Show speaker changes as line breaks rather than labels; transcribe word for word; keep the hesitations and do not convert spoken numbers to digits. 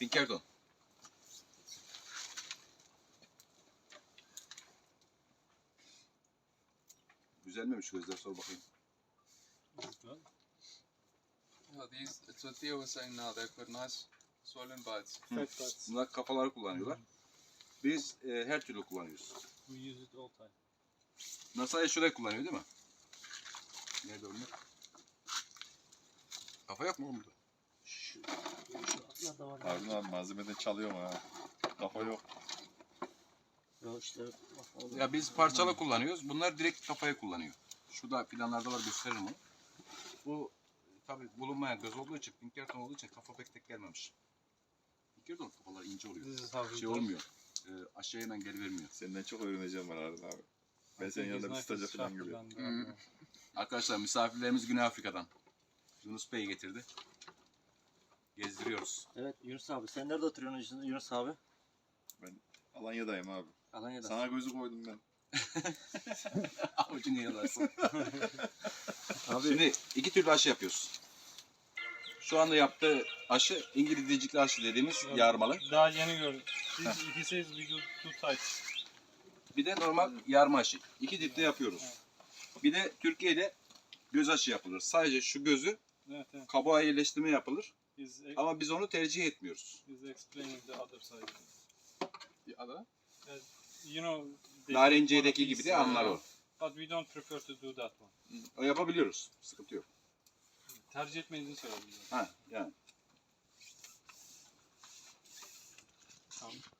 Pinkerton. Güzel miymiş gözler, sor bakayım.
Yeah, these, it's what Theo was saying now, they've got nice swollen bites.
Fat butts.
Bunlar kafaları kullanıyorlar. Biz e, her türlü kullanıyoruz.
We use it all time.
Nasa'ya şurayı kullanıyor değil mi? Nerede onlar? Kafa yok mu oğlum burada?
Şu, şu atlar da var.
Harun abi malzemeden çalıyorum ha. Kafa yok.
Ya işte bak orada.
Ya biz parçalı kullanıyoruz. Bunlar direkt kafaya kullanıyor. Şurada planlarda var, gösteririm onu. Bu tabi bulunmayan göz olduğu için, Pinkerton olduğu için kafa pek tek gelmemiş. Pinkerton kafalar ince oluyor.
This is how we
Şey
do it.
olmuyor. E, aşağıya hemen geri vermiyor.
Senden çok öğreneceğim var Harun abi. Ben
I
senin
think
yanında
his
bir
knife
stajyer
is
falan
sharper
gibi.
than the other one.
Arkadaşlar misafirlerimiz Güney Afrika'dan. Yunus Bey getirdi. Gezdiriyoruz.
Evet Yunus abi sen nerede oturuyorsun Yunus abi?
Alanya'dayım abi.
Alanya'da.
Sana gözü koydum ben.
Avucunu yalarsın. Şimdi iki türlü aşı yapıyoruz. Şu anda yaptığı aşı İngilizcikli aşı dediğimiz yarmalı.
Daha yeni gördüm. He, he says we do two types.
Bir de normal yarma aşı. İki tipte yapıyoruz. Bir de Türkiye'de göz aşı yapılır. Sadece şu gözü
Evet, evet.
kabuğa yerleştirme yapılır.
He's,
Ama biz onu tercih etmiyoruz.
he's explaining the other side.
Bir ada.
You know, they
Narenciye'deki
one of
gibi de
these,
anlar
uh,
o.
But we don't prefer to do that one.
O yapabiliyoruz. Sıkıntı yok.
Tercih etmediğini söyledim.
Ha yani.
Tamam.